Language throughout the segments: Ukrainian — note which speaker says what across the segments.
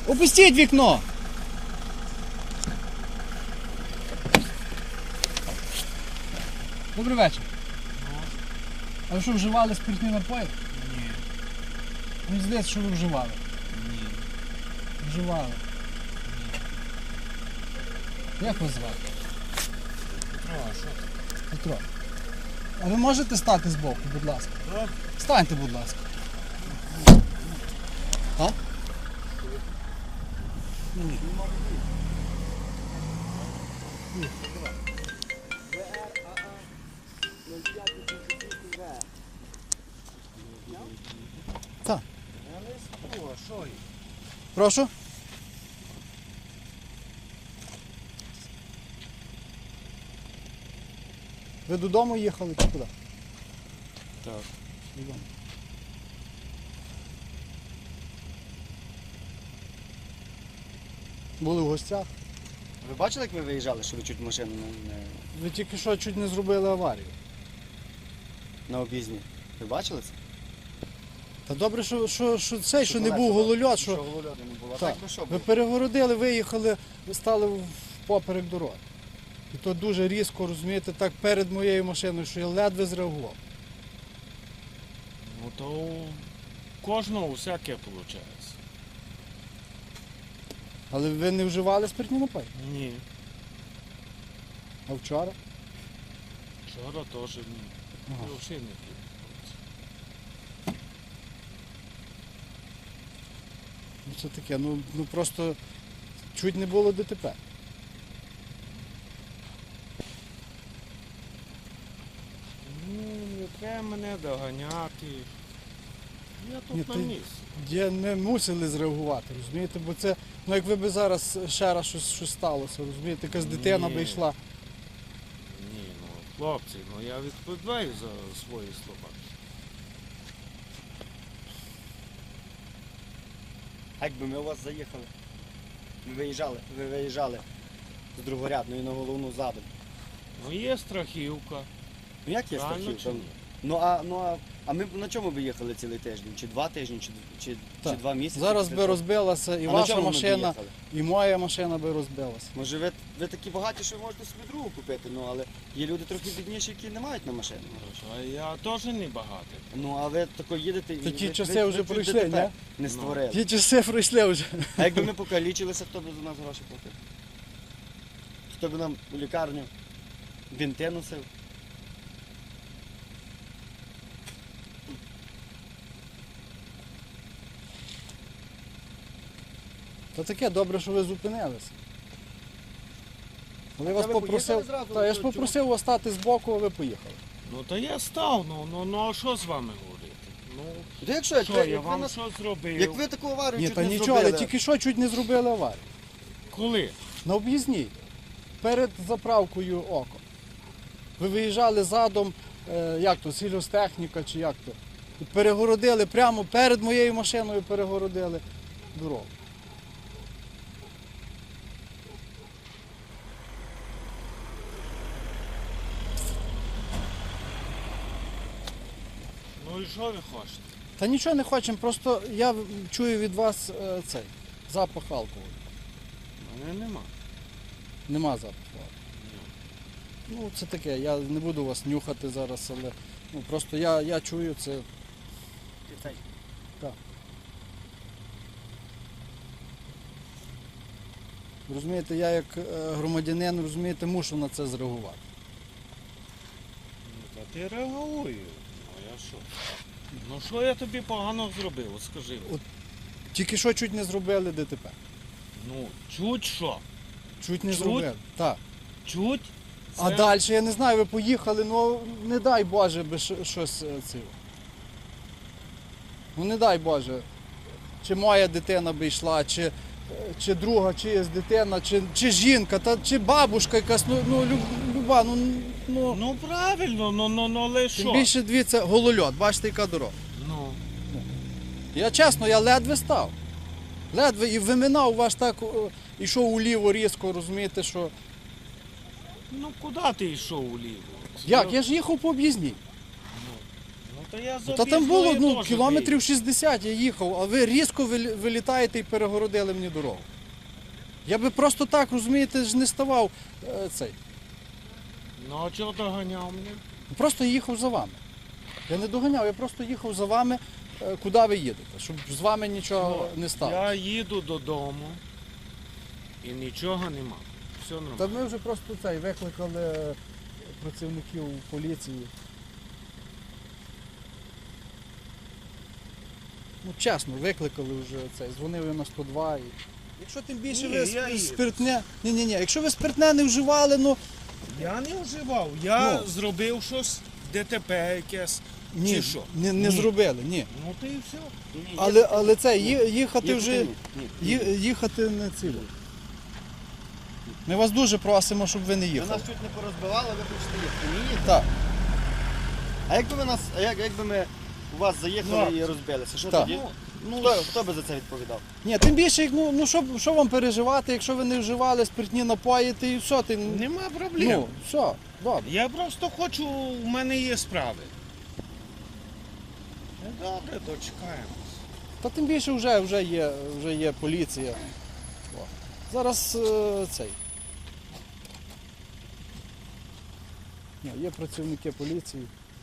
Speaker 1: Опустіть вікно! Добрий вечір. А ви що, вживали спиртні напої?
Speaker 2: Ні.
Speaker 1: Мені здається, що ви вживали.
Speaker 2: Ні.
Speaker 1: Вживали. Як вас звати?
Speaker 2: Петро, а що ти?
Speaker 1: Петро. А ви можете стати збоку, будь ласка?
Speaker 2: Так.
Speaker 1: Станьте, будь ласка. А? Так.
Speaker 2: Я не спу, а що їх?
Speaker 1: Прошу. Ви додому їхали чи куди?
Speaker 2: Так.
Speaker 1: Додому. Були в гостях.
Speaker 3: Ви бачили, як ви виїжджали, що ви чуть машину
Speaker 1: Ви тільки що чуть не зробили аварію.
Speaker 3: на об'їзні? Ви бачили це?
Speaker 1: Та добре, що цей, що не
Speaker 3: колеса,
Speaker 1: був голольот,
Speaker 3: Що
Speaker 1: що
Speaker 3: голольоду не було. А
Speaker 1: Так.
Speaker 3: так би що
Speaker 1: ви
Speaker 3: було?
Speaker 1: перегородили, виїхали, стали поперек дороги. І то дуже різко, розумієте, так перед моєю машиною, що я ледве зреагував.
Speaker 2: Ну то у кожного всяке виходить.
Speaker 1: Але ви не вживали спиртні напої?
Speaker 2: Ні.
Speaker 1: А вчора?
Speaker 2: Вчора теж ні.
Speaker 1: Ага.
Speaker 2: Я взагалі не пив.
Speaker 1: Ну це таке, ну просто чуть не було ДТП.
Speaker 2: Ну, не треба мене доганяти. Я тут
Speaker 1: Ні,
Speaker 2: на
Speaker 1: ти-
Speaker 2: місці.
Speaker 1: Ми мусили зреагувати, розумієте, бо це, ну якби би зараз ще раз щось сталося, розумієте, якась дитина би
Speaker 2: Ні.
Speaker 1: йшла.
Speaker 2: Ні, ну хлопці, ну я відповідаю за свої слова.
Speaker 3: А якби ми у вас заїхали? Ви виїжджали з другорядної на головну задом.
Speaker 2: Ну є страхівка.
Speaker 3: Ну як є
Speaker 2: Правильно
Speaker 3: страхівка?
Speaker 2: чи ні?
Speaker 3: А ми б на чому би їхали цілий тиждень? Чи 2 тижні, чи
Speaker 1: Так.
Speaker 3: 2 місяці?
Speaker 1: Зараз
Speaker 3: після
Speaker 1: би
Speaker 3: того?
Speaker 1: розбилася і
Speaker 3: А на
Speaker 1: ваша
Speaker 3: чому ми б
Speaker 1: машина,
Speaker 3: їхали?
Speaker 1: і моя машина би розбилася.
Speaker 3: Може ви такі багаті, що ви можете собі другу купити, ну але є люди трохи бідніші, які не мають на машину.
Speaker 2: А я теж не багатий.
Speaker 3: Ну а ви тако їдете і
Speaker 1: Та ті
Speaker 3: ви-
Speaker 1: часи
Speaker 3: ви
Speaker 1: вже
Speaker 3: чуть
Speaker 1: пройшли,
Speaker 3: ДТП
Speaker 1: ні?
Speaker 3: не створили.
Speaker 1: Ті часи пройшли вже.
Speaker 3: А якби ми покалічилися, хто б за нас гроші платив? Хто б нам у лікарню бінти носив?
Speaker 1: Та таке, добре, що ви зупинилися. Але я вас
Speaker 3: ви
Speaker 1: попросив,
Speaker 3: поїхали зразу?
Speaker 1: та, я ж
Speaker 3: Чому?
Speaker 1: попросив вас стати збоку, а ви поїхали.
Speaker 2: Ну то я став, ну а що з вами говорити? Ну,
Speaker 3: То якщо, як
Speaker 2: що,
Speaker 3: ви,
Speaker 2: я
Speaker 3: як ви,
Speaker 2: вам
Speaker 3: нас-
Speaker 2: що зробив?
Speaker 3: як ви таку аварію
Speaker 1: Ні,
Speaker 3: чуть
Speaker 1: та
Speaker 3: не
Speaker 1: нічого,
Speaker 3: зробили.
Speaker 1: але тільки що чуть не зробили аварію.
Speaker 2: Коли?
Speaker 1: На об'їзній, перед заправкою око. Ви виїжджали задом, як то, сільгостехніка чи як то. І перегородили прямо перед моєю машиною перегородили дорогу.
Speaker 2: Ну і що ви хочете?
Speaker 1: Та нічого не хочемо, просто я чую від вас цей запах алкоголю.
Speaker 2: Мене нема.
Speaker 1: Нема запаху. Ну, це таке, я не буду вас нюхати зараз, але ну, просто я чую це. Так. Розумієте, я як громадянин, розумієте, мушу на це зреагувати.
Speaker 2: Ну, та ти реагую. Ну я що? Ну що я тобі погано зробив, от скажи.
Speaker 1: От. Тільки що чуть не зробили ДТП.
Speaker 2: Ну, чуть що?
Speaker 1: Чуть не
Speaker 2: Чуть?
Speaker 1: зробили. Так.
Speaker 2: Чуть?
Speaker 1: А
Speaker 2: Це-
Speaker 1: далі, я не знаю, ви поїхали, ну не дай Боже би щось цього. Ну не дай Боже. Чи моя дитина би йшла, чи друга чиясь дитина, чи жінка, чи бабушка якась, люба, ну.
Speaker 2: Ну правильно, ну але
Speaker 1: Тим
Speaker 2: що?
Speaker 1: більше дивіться, голольот, бачите, яка дорога.
Speaker 2: Ну,
Speaker 1: Я чесно, я ледве став. Ледве і виминав ваш так, ішов уліво різко, розумієте, що.
Speaker 2: ну куди ти йшов уліво?
Speaker 1: Як? Я ж їхав по об'їзній.
Speaker 2: Ну то я з
Speaker 1: Та там було
Speaker 2: об'їзної
Speaker 1: ну,
Speaker 2: теж
Speaker 1: кілометрів 60 я їхав, а ви різко вилітаєте і перегородили мені дорогу. Я би просто так, розумієте, ж не ставав цей.
Speaker 2: виїхав. Ну а чого доганяв мене?
Speaker 1: Просто їхав за вами. Я не доганяв, я просто їхав за вами, куди ви їдете, щоб з вами нічого не сталося.
Speaker 2: Я їду додому і нічого нема. Все
Speaker 1: Та
Speaker 2: нормально.
Speaker 1: ми вже просто цей викликали працівників поліції. Ну, чесно, викликали вже цей, дзвонив я на 102. І... Якщо тим більше
Speaker 2: Ні,
Speaker 1: ви
Speaker 2: я їду.
Speaker 1: спиртне. Ні, якщо ви спиртне не вживали, ну
Speaker 2: Я не вживав, я
Speaker 1: Ну.
Speaker 2: зробив щось, ДТП якесь.
Speaker 1: ні,
Speaker 2: Чи що?
Speaker 1: не
Speaker 2: Ні.
Speaker 1: зробили, ні.
Speaker 2: Ну то і все.
Speaker 1: Але це їхати вже.
Speaker 3: Ні.
Speaker 1: Їхати не ціло. Ми вас дуже просимо, щоб ви не
Speaker 3: Ви
Speaker 1: їхали.
Speaker 3: нас чуть не порозбивали, ви хочете їхати. Не їдете?
Speaker 1: Так,
Speaker 3: А якби ви нас, якби ми у вас заїхали
Speaker 2: Так.
Speaker 3: і розбилися, що
Speaker 1: Так.
Speaker 3: тоді?
Speaker 2: Ну,
Speaker 3: Хто би за це відповідав?
Speaker 1: ні, тим більше, ну що вам переживати, якщо ви не вживали спиртні напої, і все, ти.
Speaker 2: нема проблем.
Speaker 1: Ну, все, добре.
Speaker 2: Я просто хочу, у мене є справи. Ну, добре, дочекаємо.
Speaker 1: Та тим більше вже є поліція. О. Зараз цей. Ні, є працівники поліції.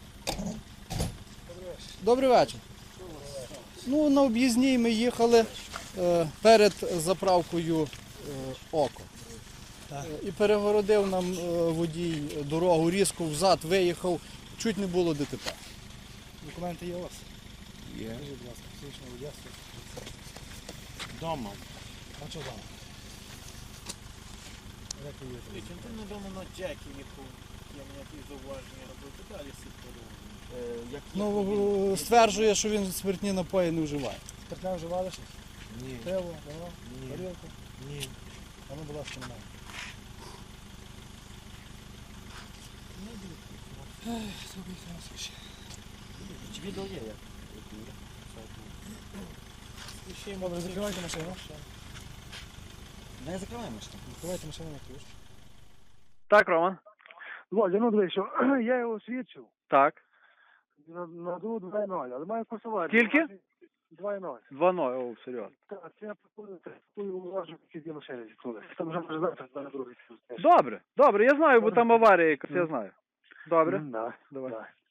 Speaker 1: Добрий вечір. Ну, на об'їзній ми їхали перед заправкою Око. І перегородив нам водій дорогу, різко взад виїхав, чуть не було ДТП.
Speaker 4: Документи є у вас?
Speaker 2: Є.
Speaker 4: Скажіть, будь ласка, фізичне водійство.
Speaker 2: Дома.
Speaker 4: А що там? Як ви їдете?
Speaker 5: Ти недавно на Джекі їхав, я ніякі зауваження робив, ти далі сіптору.
Speaker 1: Ну, стверджує, що він спиртні напої не вживає.
Speaker 4: Спиртне вживали щось?
Speaker 2: Ні.
Speaker 4: Пиво, вино,
Speaker 2: Ні.
Speaker 4: горілку?
Speaker 2: Ні.
Speaker 4: А ну, будь ласка, немає.
Speaker 3: Чи відео є як?
Speaker 4: Добре, закривайте машину.
Speaker 3: Не закриваємо ж там.
Speaker 4: Закривайте машину на ключ.
Speaker 6: Так, Роман.
Speaker 7: Володя, ну дивись, що я його свідчив
Speaker 6: Так.
Speaker 7: на 2.0, але маю посилати.
Speaker 6: Скільки?
Speaker 7: 2.0.
Speaker 6: 2-0, о, серйозно.
Speaker 7: Так, це я пропоную уважно, які машини зіткнули. Там вже може завтра на другий.
Speaker 6: Добре, я знаю, бо там аварія якась, я знаю. Добре,
Speaker 7: Да,
Speaker 6: давай.
Speaker 7: да.